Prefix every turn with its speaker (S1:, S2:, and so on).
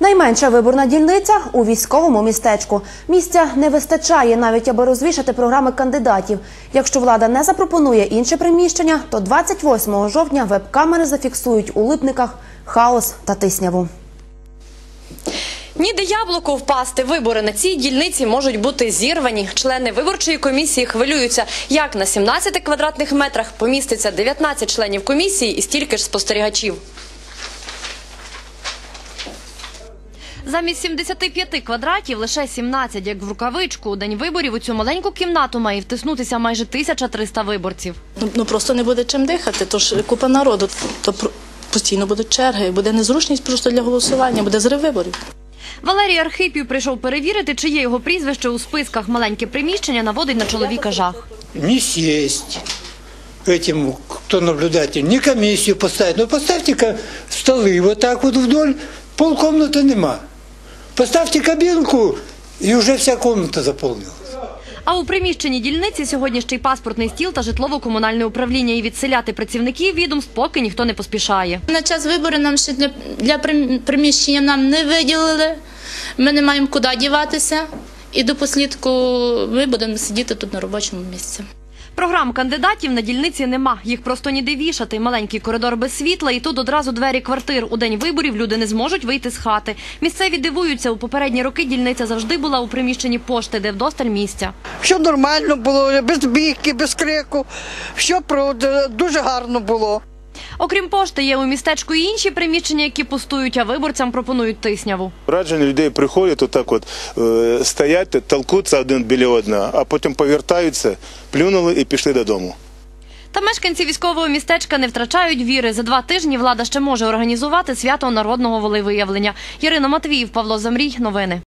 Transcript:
S1: Найменша виборна дільниця – у військовому містечку. Місця не вистачає навіть, аби розвішати програми кандидатів. Якщо влада не запропонує інше приміщення, то 28 жовтня веб-камери зафіксують у Липниках хаос та тисняву.
S2: Ніде яблуку впасти. Вибори на цій дільниці можуть бути зірвані. Члени виборчої комісії хвилюються, як на 17 квадратних метрах поміститься 19 членів комісії і стільки ж спостерігачів. Замість 75 квадратів лише 17, як в рукавичку. У день виборів у цю маленьку кімнату має втиснутися майже 1300 виборців.
S3: Просто не буде чим дихати, тож купа народу, то постійно будуть черги, буде незручність просто для голосування, буде зрив виборів.
S2: Валерій Архипів прийшов перевірити, чи є його прізвище у списках. Маленьке приміщення наводить на чоловіка жах.
S4: Не сесть этим, кто наблюдатель, не комиссию поставить. Но поставьте столы вот так вот вдоль, полкомнаты нема. Поставьте кабинку, и уже вся комната заполнилась.
S2: А у приміщенні дільниці сьогодні ще й паспортний стіл та житлово-комунальне управління. І відселяти працівників відомств поки ніхто не поспішає.
S5: На час виборів нам ще для приміщення нам не виділили, ми не маємо куди діватися. І до послідку ми будемо сидіти тут на робочому місці.
S2: Програм кандидатів на дільниці нема. Їх просто ніде вішати. Маленький коридор без світла і тут одразу двері квартир. У день виборів люди не зможуть вийти з хати. Місцеві дивуються. У попередні роки дільниця завжди була у приміщенні пошти, де вдосталь місця.
S6: Все нормально було, без бійки, без крику. Все дуже гарно було.
S2: Окрім пошти, є у містечку і інші приміщення, які пустують, а виборцям пропонують тисняву.
S7: Раджені людей приходять, отак от стоять, толкуться один біля одного, а потім повертаються, плюнули і пішли додому.
S2: Та мешканці військового містечка не втрачають віри. За 2 тижні влада ще може організувати свято народного волевиявлення. Ірина Матвіїв, Павло Замрій. Новини.